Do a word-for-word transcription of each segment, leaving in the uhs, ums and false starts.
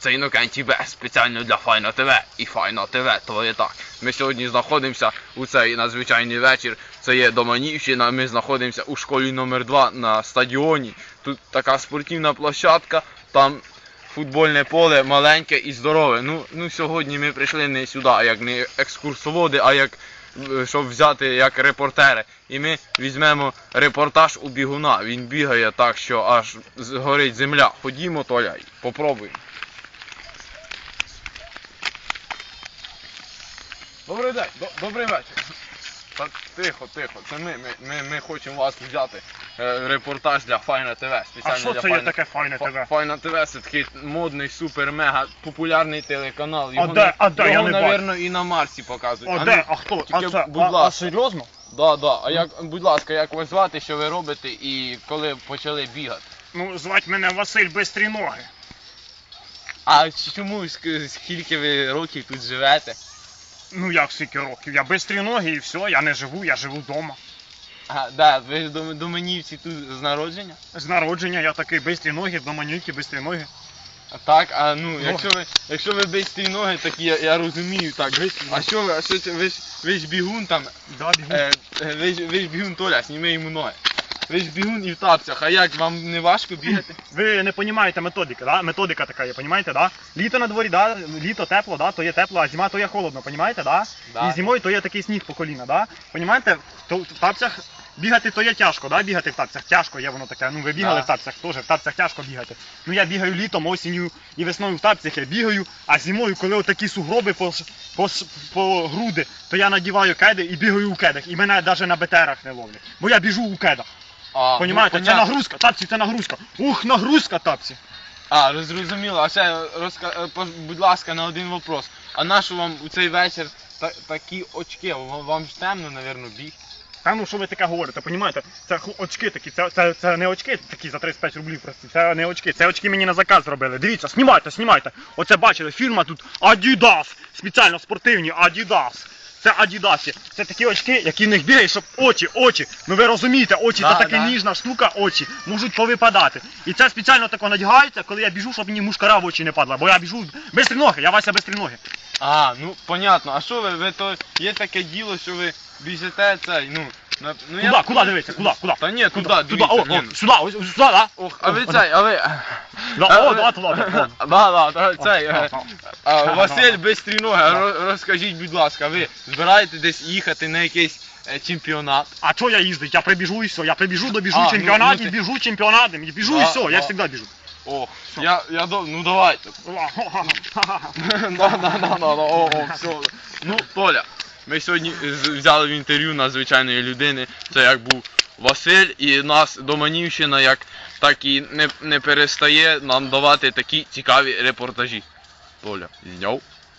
це Інокентій Б, спеціально для Файна ТВ. І Файна ТВ, то є так. Ми сьогодні знаходимося у цей надзвичайний вечір. Це є Доманівщина, ми знаходимося у школі номер два на стадіоні. Тут така спортивна площадка, там футбольне поле маленьке і здорове. Ну, ну сьогодні ми прийшли не сюди, як не екскурсоводи, а як, щоб взяти як репортери. І ми візьмемо репортаж у бігуна. Він бігає так, що аж горить земля. Ходімо, Толя, попробуємо. Добрий день, добрий вечір. Та тихо, тихо, це ми, ми, ми, ми хочемо вас взяти е, репортаж для Файна ТВ. А що це є таке Файна ТВ? Файна ТВ це такий модний, супер-мега популярний телеканал. Його, а де, а де, його, я не навірно, і на Марсі показують. А, а де, ну, а хто? тільки, а це, будь а, ласка. А серйозно? Да, да. А як, будь ласка, як вас звати, що ви робите і коли почали бігати? Ну, звати мене Василь Бистрі Ноги. А чому, скільки ви років тут живете? Ну як скільки років? Я Бистрі Ноги і все, я не живу, я живу вдома. А, да, ви доманівці тут з народження? З народження я такий Бистрі Ноги, доманівки, Бистрі Ноги. А так, а ну, якщо ви, якщо ви бистрі ноги, так я, я розумію, так, ви, а що ви, а що це, ви ж, ви ж бігун там, да, бігун. Е, ви, ж, ви ж бігун, Толя, зніми йому ноги. Ви ж бігун і в тапцях, а як, вам не важко бігати? Ви не розумієте методики, да? Методика така є, розумієте, да? Літо на дворі, да? Літо тепло, да? То є тепло, а зима то є холодно, розумієте, да? Да. І зимою то є такий сніг по коліна, да? Розумієте, в тапцях бігати то є тяжко, да? Бігати в тапцях тяжко є воно таке, ну ви бігали Да. в тапцях теж, в тапцях тяжко бігати. Ну я бігаю літом, осінню і весною в тапцях я бігаю, а зимою, коли отакі сугроби по, по, по груди, то я надіваю кеди і бігаю у кедах, і мене навіть на БТРах не ловлять, бо я біжу у кедах. А, Понімаєте, ну, це нагрузка, тапці, це нагрузка. Ух, нагрузка, тапці. А, зрозуміло, а ще, розка... будь ласка, на один вопрос. А нащо вам у цей вечір та... такі очки? Вам ж темно, напевно, біг? Та ну що ви таке говорите, понімаєте? Це очки такі, це, це, це не очки такі за тридцять п'ять рублів прості, це не очки, це очки мені на заказ зробили. Дивіться, знімайте, знімайте. Оце бачили, фірма тут Adidas, спеціально спортивні Adidas. Це Адідасі. Це такі очки, які в них бігають, щоб очі, очі. Ну ви розумієте, очі да, це така да. ніжна штука, очі можуть повипадати. І це спеціально тако надягається, коли я біжу, щоб мені мушкара в очі не падла. Бо я біжу бистрі ноги, я Вася бистрі ноги. А, ну понятно. А що ви, ви то є таке діло, що ви біжите цей, ну, на, ну Куда, я... куди дивіться, куди, куди? Та ні, куди, туди, туди, дивіться, о, ні, о, ну. сюди, ось, сюди, да? Ох, а ви цей, а ви... Да, а, о, ви... да, туди, да. Да, да, цей, О, о, а, о. Василь Бистрі Ноги, роз- розкажіть, будь ласка, ви збираєте десь їхати на якийсь е, чемпіонат? А що я їздить? Я прибіжу і все. Я прибіжу, добіжу А, чемпіонат, ну, ну, і ти- біжу чемпіонатом, і біжу Да, і все, я да. завжди біжу. Ох, я, я, до... ну давайте. Да, да, да, да, да, о, о, все. Ну, Толя, ми сьогодні з- взяли в інтерв'ю надзвичайної людини, це як був Василь, і нас Доманівщина як так і не, не перестає нам давати такі цікаві репортажі. Толя, зняв?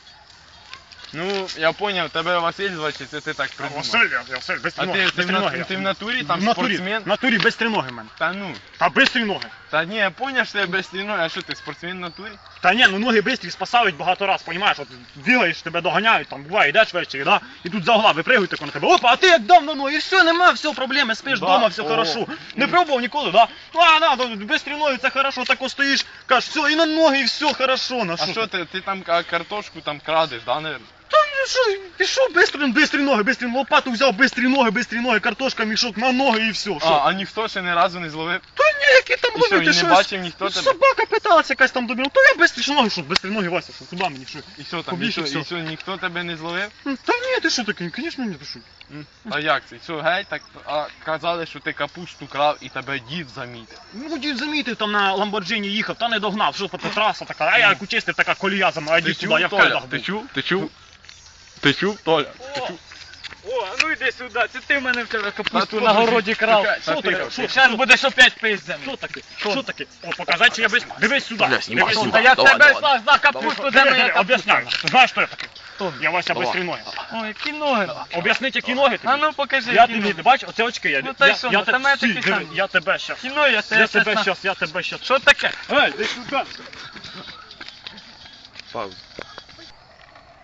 Ну, я поняв, тебе Василь звати, чи це ти так придумав? Василь, я Василь, без А ти, ноги, ти, без в, на- ноги. ти в натурі там В натурі, спортсмен? в натурі без ноги в мене. Та ну, Та бистрі ноги. та ні, я поняв, що я без ноги, а що ти спортсмен в натурі? Та ні, ну ноги бистрі спасають багато раз, понімаєш, от бігаєш, тебе доганяють, там буває, йдеш ввечері, да? І тут за угла випригують тако на тебе. Опа, а ти як дав на ноги, і все, нема, все, проблеми, спиш Да, вдома, все о. хорошо. Не пробував ніколи, да? А, да, да, бистрі ноги, це хорошо, тако стоїш, кажеш, все, і на ноги, і все хорошо, на А що ти, ти там ка- картошку там крадеш, да, наверное? Та ну що, пішов бистрі, бистрі ноги, бистрі лопату взяв, бистрі ноги, бистрі ноги, картошка, мішок на ноги і все. А, Що? а ніхто ще ні разу не зловив? Та ні, які там І що, і ловити, не щось? бачив ніхто тебе? Собака питалася якась там до мене, то я бистрі ноги, що, бистрі ноги, Вася, що, куди мені, що? І що там, Побіг і і що, все. і що, ніхто тебе не зловив? М, Та ні, ти що таке, звісно, ні, ти що? М? А як це? Що, геть, так, а казали, що ти капусту крав і тебе дід замітив. Ну, дід замітив, там на Ламборджині їхав, та не догнав, що це траса така, а я як учистив, така колія за мною, а Ти йди чув, сюди, я в Толя? кедах Ти був. чув? Ти чув? Ти чув, Толя? Ти чув? О, а ну йди сюди, це ти в мене вчора Та капусту тут на же- городі крав. Чекай, Що та таке? тихо, Що? тихо. Зараз будеш опять пиздем. Що таке? Що таке? О, показати, чи я без... Дивись сюди, Бля, знімай, дивись знімай. сюди. Та я Давай, тебе давай. знав, знав капусту, де моя капуста? Об'ясняю, знаєш, що я таке? Хто? Я Вася Давай. бистрі ноги. Ой, які ноги. Об'ясніть, які ноги тобі. А ну покажи, Я які тобі, ноги. бач, оце очки, я, Ну, та й я, що, я, ну, те- та мене Стій, такі диви, самі. я тебе щас, Які ноги, я я тебе тебе щас... щас, я тебе щас. Що таке? Ей, ти сюди. Пауза.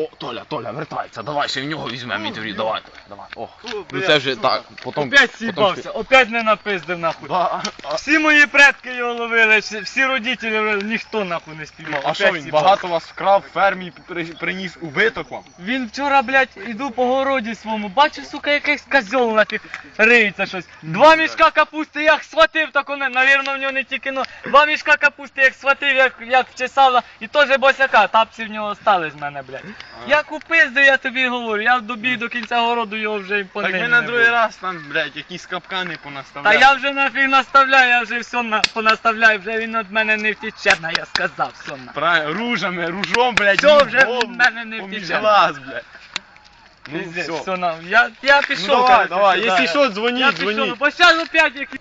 О, Толя, Толя, вертається, давай ще в нього візьмемо інтерв'ю, давай, Толя, давай. О, ну бля, це вже сука. так, потім... Опять потім сібався, опять не напиздив нахуй. Да, а, Всі мої предки його ловили, всі, всі родителі ловили, ніхто нахуй не спіймав. а що Опять він сібався. багато вас вкрав, в фермі при- приніс убиток вам? Він вчора, блядь, іду по городі своєму, бачу, сука, якийсь козьол нафіг риється щось. Два мішка капусти, як схватив, так вони, навірно, в нього не тільки, ну, два мішка капусти, як схватив, як, як вчесала, і теж босяка, тапці в нього стали з мене, блядь. Як упиздив, я тобі говорю, я добіг до кінця городу, його вже і по Так ним ми не на другий було. раз там, блядь, якісь капкани Та понаставляли. я вже нафіг наставляю, я вже все на, понаставляю, вже він від мене не втече, на, я сказав, все на. Правильно, ружами, ружом, блядь, Все, вже їбом, в мене не поміж втече. глаз, блядь. Ну Пиздець, все. все на, я, я пішов, Ну давай, короче, давай, сюди. якщо що, дзвоніть, Я дзвоніть. пішов, бо зараз опять якісь